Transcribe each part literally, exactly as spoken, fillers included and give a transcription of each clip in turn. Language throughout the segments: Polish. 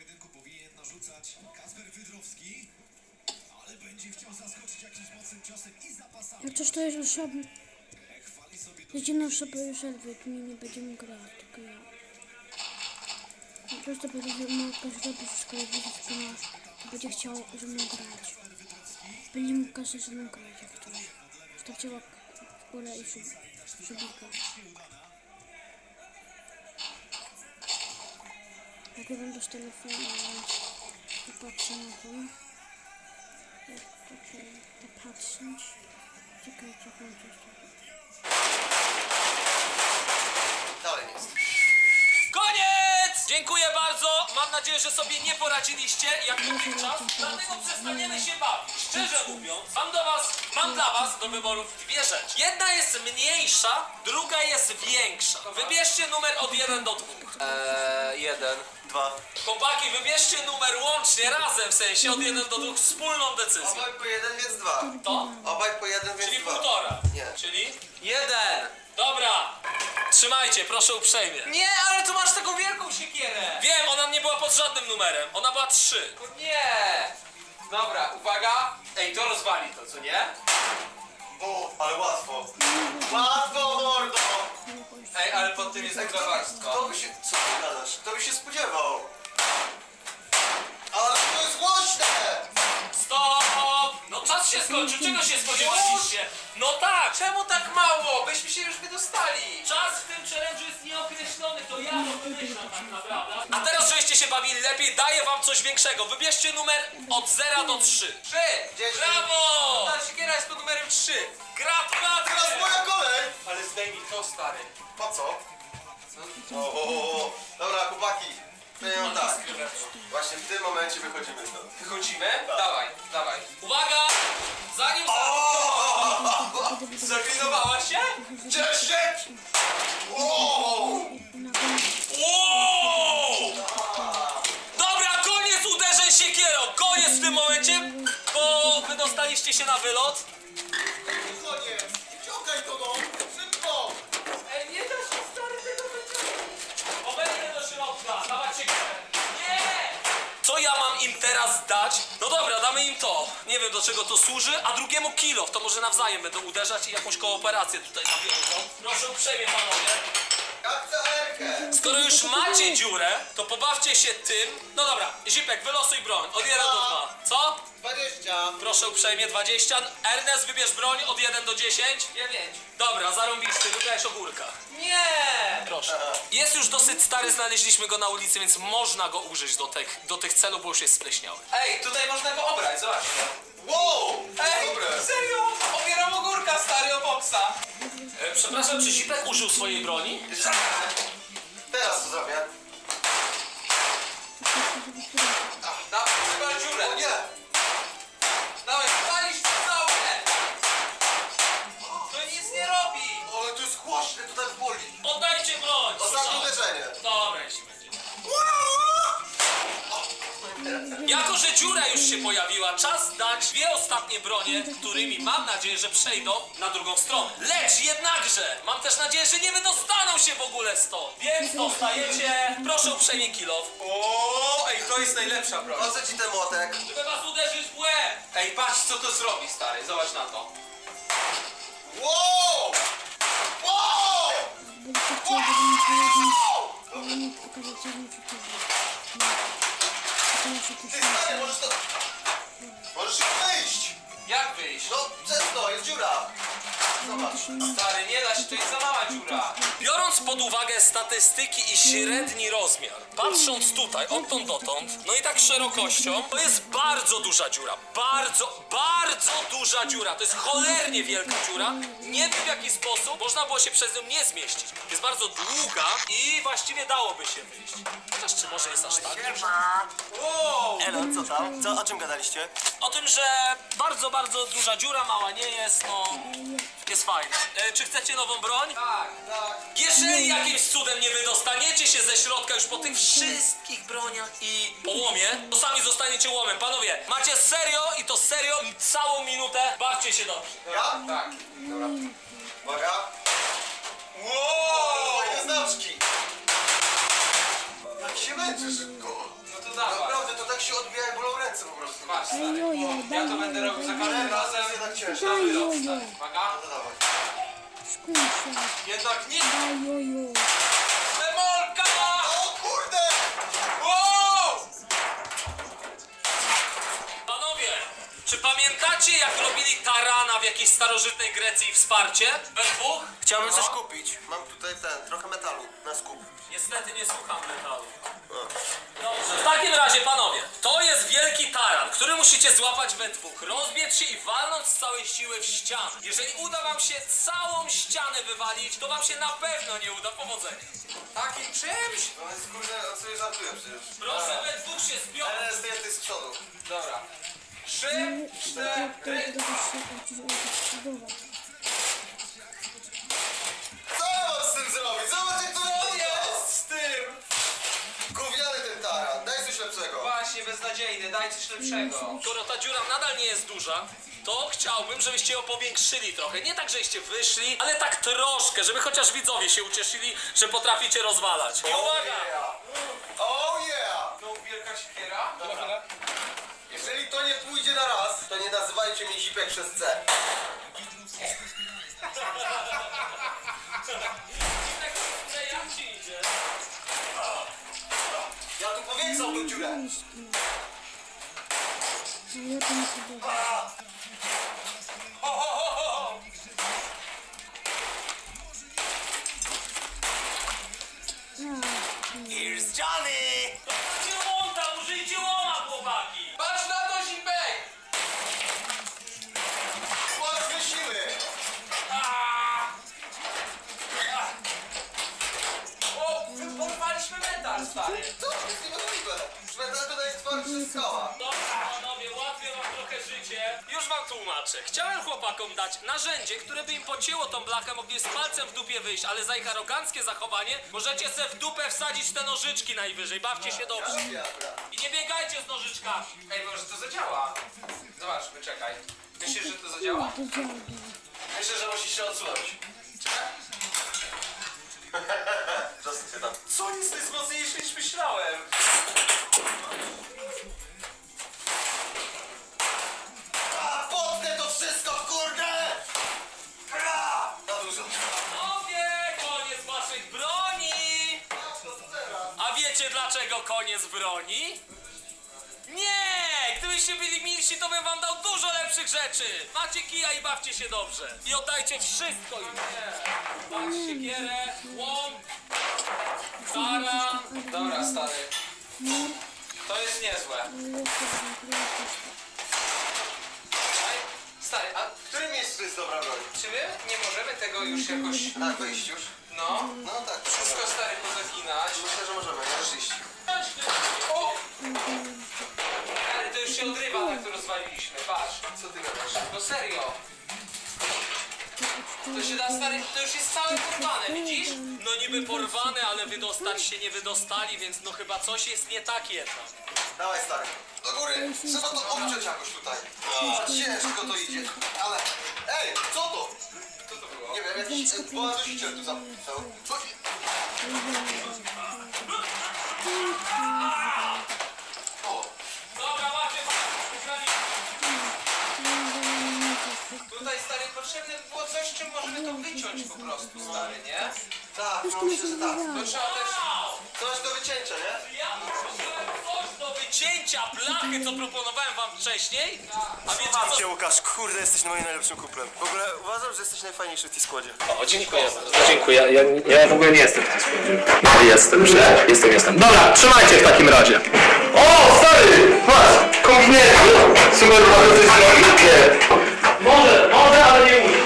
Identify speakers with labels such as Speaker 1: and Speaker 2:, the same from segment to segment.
Speaker 1: pojedynku powinien narzucać Kacper Wydrowski, ale będzie chciał zaskoczyć jakimś mocnym ciosem i zapasami.
Speaker 2: Jak coś to jest osobny. Jedyną osobę już Elwy, tu nie, nie będziemy grać, tylko ja. Po prostu będzie mógł zrobić wszystko, jak widzieć, że nasz, to będzie chciał ze mną grać. Będzie mógł każdy ze mną grać, jak ktoś. Stawcie łapkę w górę i sub, subika. Nagrywam też telefonu, więc popatrzę na to. Jak tutaj popatrzeć. Czekajcie, kończę się.
Speaker 3: Dalej jest.
Speaker 4: Koniec! Dziękuję bardzo. Mam nadzieję, że sobie nie poradziliście jak długi czas, dlatego przestaniemy się bawić. Szczerze mówiąc, mam do was, mam dla was do wyborów dwie rzeczy. Jedna jest mniejsza, druga jest większa. Wybierzcie numer od jeden do dwóch. Eee, jeden.
Speaker 3: Dwa.
Speaker 4: Chłopaki, wybierzcie numer łącznie, razem w sensie, od jeden do dwóch, wspólną decyzję.
Speaker 3: Obaj po jeden, więc dwa.
Speaker 4: To?
Speaker 3: Obaj po jeden, więc
Speaker 4: Czyli
Speaker 3: dwa.
Speaker 4: półtora.
Speaker 3: Nie.
Speaker 4: Czyli? Jeden. Dobra. Trzymajcie, proszę uprzejmie.
Speaker 5: Nie, ale tu masz taką wielką siekierę!
Speaker 4: Wiem, ona nie była pod żadnym numerem. Ona była trzy.
Speaker 5: Nie! Dobra, uwaga! Ej, to rozwali to, co nie?
Speaker 3: O, ale łatwo. Łatwo, mordo!
Speaker 5: Ej, ale pod tym jest
Speaker 3: Kto
Speaker 5: akrobackko.
Speaker 3: by się... Co ty gadasz? Kto by się spodziewał? Ale to jest głośne!
Speaker 4: Stop! No czas się skończył, czego się spodziewaliście? No tak!
Speaker 5: Czemu tak mało? Byśmy się już wydostali!
Speaker 4: Czas w tym challenge'u jest nieokreślony, to ja to wymyślam tak naprawdę. A teraz, żebyście się bawili lepiej, daję wam coś większego. Wybierzcie numer od zera do trzy.
Speaker 5: Trzy!
Speaker 3: Dziesięć.
Speaker 4: Brawo!
Speaker 5: Ta siekiera jest pod numerem trzy!
Speaker 3: Teraz
Speaker 4: Gratulacje!
Speaker 3: moja kolej!
Speaker 5: Ale zdejmij to, stary.
Speaker 3: Po co? O, o, o, o. Dobra, chłopaki. To ja mam tak. Właśnie w tym momencie wychodzimy stąd.
Speaker 5: Wychodzimy? Dawaj, dawaj.
Speaker 4: Uwaga! Zanim...
Speaker 5: Zaklinowała się?
Speaker 3: Dziesięć! Wow!
Speaker 4: Wow! Dobra, koniec uderzeń siekierą! Koniec w tym momencie, bo wydostaliście się na wylot.
Speaker 3: Koniec! Ciągaj to no! Szybko!
Speaker 5: Ej, nie da się, stary, tego wyciągnąć.
Speaker 4: Obejdę do środka, dawać siekierę. Nie! Co ja mam im teraz dać? No dobra, damy im to. Nie wiem, do czego to służy, a drugiemu kilo. To może nawzajem będą uderzać i jakąś kooperację tutaj nawiążą. Proszę uprzejmie, panowie.
Speaker 3: Jak chcę erkę!
Speaker 4: Skoro już macie dziurę, to pobawcie się tym. No dobra, Zipek, wylosuj broń. Od jeden do dwa. Co?
Speaker 3: Dwadzieścia!
Speaker 4: Proszę uprzejmie, dwadzieścia. Ernest, wybierz broń od jeden do dziesięciu.
Speaker 5: Dziewięć.
Speaker 4: Dobra, zarąbisty, wygrałeś ogórka.
Speaker 5: Nie!
Speaker 4: Proszę. Jest już dosyć stary, znaleźliśmy go na ulicy, więc można go użyć do tych, do tych celów, bo już jest spleśniały.
Speaker 5: Ej, tutaj można go obrać, zobaczcie.
Speaker 3: Wow!
Speaker 5: Ej,
Speaker 3: Dobre!
Speaker 5: serio? Obieram ogórka, stary, o boksa.
Speaker 4: E, przepraszam, czy Zipek użył swojej broni?
Speaker 3: Teraz co zrobię?
Speaker 5: Dawaj, wywal dziurę.
Speaker 3: O nie!
Speaker 5: Dawaj, walisz to całe. To nic nie robi.
Speaker 3: Ale to jest głośne, to tak boli.
Speaker 4: Oddajcie broń!
Speaker 3: Ostatnie uderzenie.
Speaker 4: Dobra, jeśli będzie. Jako, że dziura już się pojawiła, czas dać dwie ostatnie bronie, którymi mam nadzieję, że przejdą na drugą stronę. Lecz jednakże, mam też nadzieję, że nie wydostaną się w ogóle stąd. Więc dostajecie, proszę uprzejmie kilof,
Speaker 5: O, ej, to jest najlepsza broń.
Speaker 3: Po co ci ten młotek?
Speaker 4: żeby was uderzyć w łeb.
Speaker 5: Ej, patrz, co to zrobi, stary, zobacz na to.
Speaker 3: Wow! Wow!
Speaker 2: Będziecie chcieli, żebym ci ale nie pokazać, co bym ci to muszę to
Speaker 3: Ty stary,
Speaker 2: się...
Speaker 3: możesz to... Możesz już wyjść!
Speaker 5: Jak wyjść?
Speaker 3: No, przez to, jest dziura! Zobacz.
Speaker 5: Stary, nie da się, to jest za mała dziura.
Speaker 4: Biorąc pod uwagę statystyki i średni rozmiar, patrząc tutaj, odtąd dotąd, no i tak szerokością, to jest bardzo duża dziura. Bardzo, bardzo duża dziura. To jest cholernie wielka dziura. Nie wiem w jaki sposób można było się przez nią nie zmieścić. Jest bardzo długa i właściwie dałoby się wyjść. Chociaż czy może jest aż tak duża?
Speaker 5: Wow!
Speaker 3: Elo, co tam? Co, o czym gadaliście?
Speaker 4: O tym, że bardzo, bardzo duża dziura, mała nie jest, no... Jest fajnie. E, czy chcecie nową broń?
Speaker 5: Tak, tak.
Speaker 4: Jeżeli jakimś cudem nie wydostaniecie się ze środka już po tych wszystkich broniach i połomie, to sami zostaniecie łomem. Panowie, macie serio i to serio całą minutę. Bawcie się dobrze.
Speaker 3: Ja?
Speaker 5: Tak. Dobra.
Speaker 3: Uwaga.
Speaker 5: Wow!
Speaker 3: Fajne znaczki. Jak się męczy szybko.
Speaker 5: No to to dawaj.
Speaker 3: Naprawdę, to tak się odbija jak bolą ręce po prostu.
Speaker 5: Masz,
Speaker 2: Daj
Speaker 5: stary.
Speaker 2: jojo,
Speaker 5: Ja
Speaker 2: daj
Speaker 5: to będę
Speaker 2: jojo,
Speaker 5: robił za
Speaker 2: daj
Speaker 5: każdym
Speaker 2: jojo.
Speaker 5: razem.
Speaker 3: To jest jednak ciężko.
Speaker 2: Daj
Speaker 5: Wylot,
Speaker 2: jojo.
Speaker 5: stary. Uwaga.
Speaker 3: No to dawaj.
Speaker 2: Skuj się.
Speaker 5: Jednak nie.
Speaker 2: Daj jojo.
Speaker 5: Demolka!
Speaker 3: O kurde!
Speaker 5: Wow!
Speaker 4: Panowie, czy pamiętacie jak robili tarana w jakiejś starożytnej Grecji wsparcie? We dwóch?
Speaker 3: Chciałbym coś kupić. Mam tutaj ten, trochę metalu na skup.
Speaker 4: Niestety nie słucham metalu. Dobrze. W takim razie, panowie, to jest wielki taran, który musicie złapać we dwóch, rozbiec się i walnąć z całej siły w ścianę. Jeżeli uda wam się całą ścianę wywalić, to wam się na pewno nie uda. Powodzenia.
Speaker 5: Takim czymś?
Speaker 3: No jest kurde, on sobie żartuje przecież.
Speaker 4: Proszę, we dwóch się zbiorą.
Speaker 3: Ale zdjęty z przodu.
Speaker 5: Dobra. Trzy,
Speaker 2: To
Speaker 5: cztery.
Speaker 2: jest budowa.
Speaker 3: Co ja mam z tym zrobić? Zobacz jak to wygląda!
Speaker 5: Z tym!
Speaker 3: Gówniany ten taran, daj coś lepszego.
Speaker 5: Właśnie, beznadziejny, daj coś lepszego.
Speaker 4: Skoro ta dziura nadal nie jest duża, to chciałbym, żebyście ją powiększyli trochę. Nie tak, żebyście wyszli, ale tak troszkę, żeby chociaż widzowie się ucieszyli, że potraficie rozwalać. I uwaga!
Speaker 3: Oh yeah!
Speaker 5: No, wielka siekiera.
Speaker 3: Jeżeli to nie pójdzie na raz, to nie nazywajcie mnie zipek przez C.
Speaker 4: Jak ci idzie?
Speaker 3: Ja tu powiększał tą dziurę.
Speaker 2: No ja to nie podoba.
Speaker 5: Ho, ho, ho, ho.
Speaker 3: Here's Johnny!
Speaker 4: Użyjcie łąta, użyjcie łoma, chłopaki!
Speaker 5: Patrz na to, Zipek!
Speaker 3: Łatwe siły!
Speaker 5: O, porwaliśmy metal, stary.
Speaker 3: Co? To jest niemożliwe. Metal to jest twardszy skała.
Speaker 4: Dobra, panowie, ułatwię wam trochę życie. Już wam tłumaczę. Chciałem chłopakom dać narzędzie, które by im pocięło tą blachę, mogli z palcem w dupie wyjść, ale za ich aroganckie zachowanie możecie se w dupę wsadzić te nożyczki najwyżej. Bawcie się dobrze.
Speaker 3: Dobra.
Speaker 4: I nie biegajcie z nożyczkami.
Speaker 5: Ej, może to zadziała. Zobaczmy, czekaj. Myślisz, że to zadziała?
Speaker 2: To działa.
Speaker 3: Myślę, że musisz się odsunąć.
Speaker 5: Czekaj.
Speaker 3: Zostań się tam.
Speaker 5: Co jest, to jest mocniejsze niż myślałem.
Speaker 3: A, potnę to wszystko, kurde! Ra! Na dużo.
Speaker 4: Panowie, koniec waszych broni! A wiecie dlaczego koniec broni? Nie! Gdybyście byli milsi, to bym wam dał dużo lepszych rzeczy! Macie kija i bawcie się dobrze! I oddajcie wszystko im! Dać siekierę, łom, taran.
Speaker 5: Dobra, stary. To jest niezłe. Ej, stary, a
Speaker 3: W którym miejscu jest dobra broń?
Speaker 5: czy my nie możemy tego już jakoś...
Speaker 3: Na wyjść już.
Speaker 5: No,
Speaker 3: No tak.
Speaker 5: wszystko, stary, pozaginać?
Speaker 3: Myślę, że możemy, możesz iść.
Speaker 5: O! Ale to już się odrywa, tak to rozwaliliśmy, patrz.
Speaker 3: Co ty gadasz?
Speaker 5: No serio. To się da, stary, to już jest całe porwane, widzisz?
Speaker 4: No niby porwane, ale wydostać się nie wydostali, więc no chyba coś jest nie tak jednak.
Speaker 3: Dawaj stary. Do góry. Trzeba to obciąć jakoś tutaj. A, ciężko to idzie. Ale... Ej, co to?
Speaker 5: Co to było?
Speaker 3: Nie wiem, jakiś e, bohaterzyciel tu zapisał. Co? O,
Speaker 4: Dobra, macie
Speaker 5: Tutaj, stary, potrzebne by było coś, czym możemy to wyciąć po prostu, stary, nie?
Speaker 3: tak, no myślę, że tak.
Speaker 5: To trzeba też...
Speaker 3: Coś do wycięcia, nie?
Speaker 4: Ja potrzebowałem coś do wycięcia blachy, co proponowałem wam wcześniej. A wiecie
Speaker 3: Mam
Speaker 4: co?
Speaker 3: cię, Łukasz, kurde, jesteś moim najlepszym kuplem. W ogóle uważam, że jesteś najfajniejszy w tej składzie.
Speaker 4: O, dziękuję.
Speaker 6: Dziękuję. Ja, ja w ogóle nie jestem w tym składzie. No, jestem, że jestem, jestem. Dobra, trzymajcie w takim razie. O, stary! Patrz, kombinezon. Super, może coś zrobić? Może, może, ale nie muszę.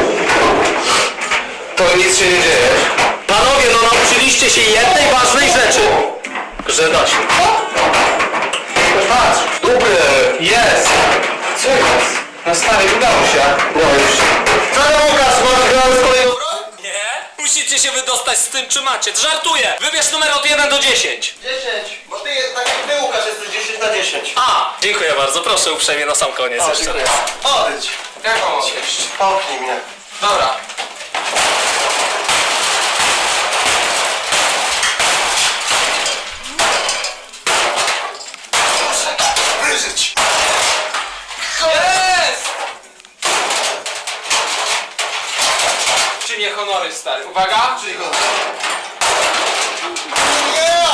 Speaker 6: To nic się nie dzieje. Panowie, no nauczyliście się jednej ważnej rzeczy. Że da się. Patrz, dobre, jest. Co jest? No stary, udało się. No już. Co tam, Łukasz, masz grać kolejną broń?
Speaker 4: Nie? Musicie się wydostać z tym, czy macie. Żartuję! Wybierz numer od jeden do dziesięciu.
Speaker 3: dziesięć, bo ty, tak jak ty, Łukasz, jesteś dziesięć na dziesięć.
Speaker 4: A, dziękuję bardzo. Proszę uprzejmie na sam koniec
Speaker 3: O,
Speaker 4: jeszcze
Speaker 3: dziękuję.
Speaker 4: raz.
Speaker 3: Odejdź.
Speaker 5: Jak mam odejść?
Speaker 3: Popchnij mnie.
Speaker 5: Dobra.
Speaker 3: wierzyć!
Speaker 5: Jest! Czy nie honory, stary? Uwaga!
Speaker 3: Czyli go. Nie!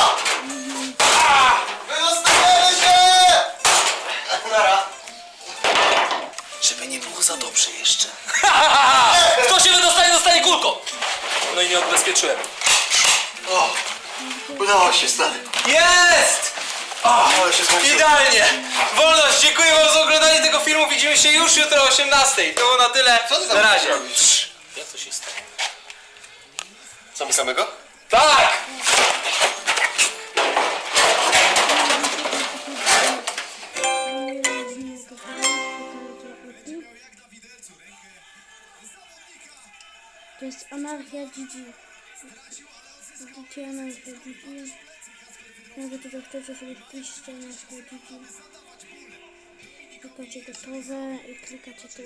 Speaker 3: Wydostaniemy się! Nara.
Speaker 4: Żeby nie było za dobrze jeszcze. Kto się wydostanie, dostanie kulką. No i nie odbezpieczyłem.
Speaker 3: O, udało się, stary.
Speaker 5: Jest!
Speaker 3: Ale się zmęczyłem.
Speaker 5: Idealnie! Wolność, dziękuję wam za oglądanie tego filmu. Widzimy się już jutro o osiemnastej. To było na tyle.
Speaker 3: Co ty tam
Speaker 5: Na razie.
Speaker 3: robisz?
Speaker 4: Jak to się stało?
Speaker 3: Co mi samego?
Speaker 5: Tak!
Speaker 2: To jest anarchia G G. Widzicie anarchia G G. Jakby tutaj chcecie sobie wpiszcie anarchia G G. Klikacie gotowe i klikacie tu.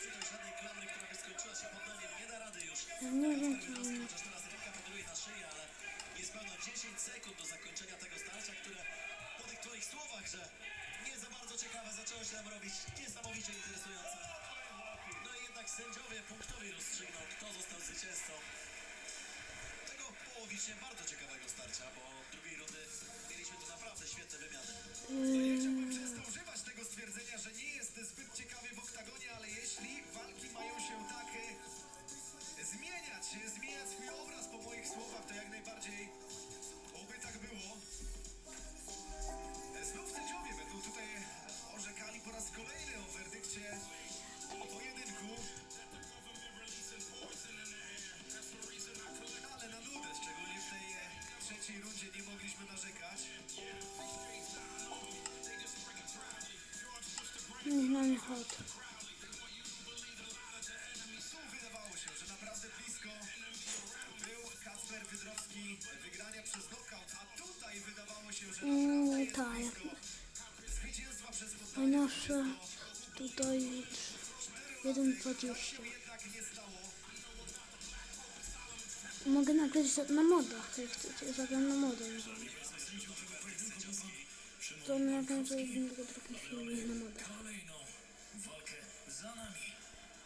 Speaker 2: Ja nie wiem co oni...
Speaker 1: Niespełna dziesięć sekund do zakończenia tego starcia, które po tych twoich słowach, że nie za bardzo ciekawe, zaczęło się nam robić niesamowicie interesujące. No i jednak sędziowie punktowi rozstrzygną, kto został zwycięzcą tego połowicznie bardzo ciekawego starcia, bo drugiej rundy mieliśmy tu naprawdę świetne wymiany. Nie chciałbym często używać tego stwierdzenia, że nie jest zbyt ciekawie w oktagonie, ale jeśli walki mają się tak e, zmieniać, zmieniać swój obraz po moich słowach, to jak najbardziej oby tak było. Znów sędziowie będą tutaj orzekali po raz kolejny o werdykcie pojedynku. Ale na nudę, szczególnie w tej e, trzeciej rundzie nie mogliśmy narzekać.
Speaker 2: Niech na mnie chodź.
Speaker 1: Tu wydawało się, że naprawdę blisko był Kacper Wydrowski wygrania przez knockout, a tutaj wydawało się, że
Speaker 2: Mm, tak.
Speaker 1: zwycięstwa przez podnoszenie
Speaker 2: Ponoszę tutaj jeden dwadzieścia. Mogę nagrać za- na modach, jak chcecie. Zagram na modę. To nagram za jednego drugi film na modach.
Speaker 1: walkę za nami.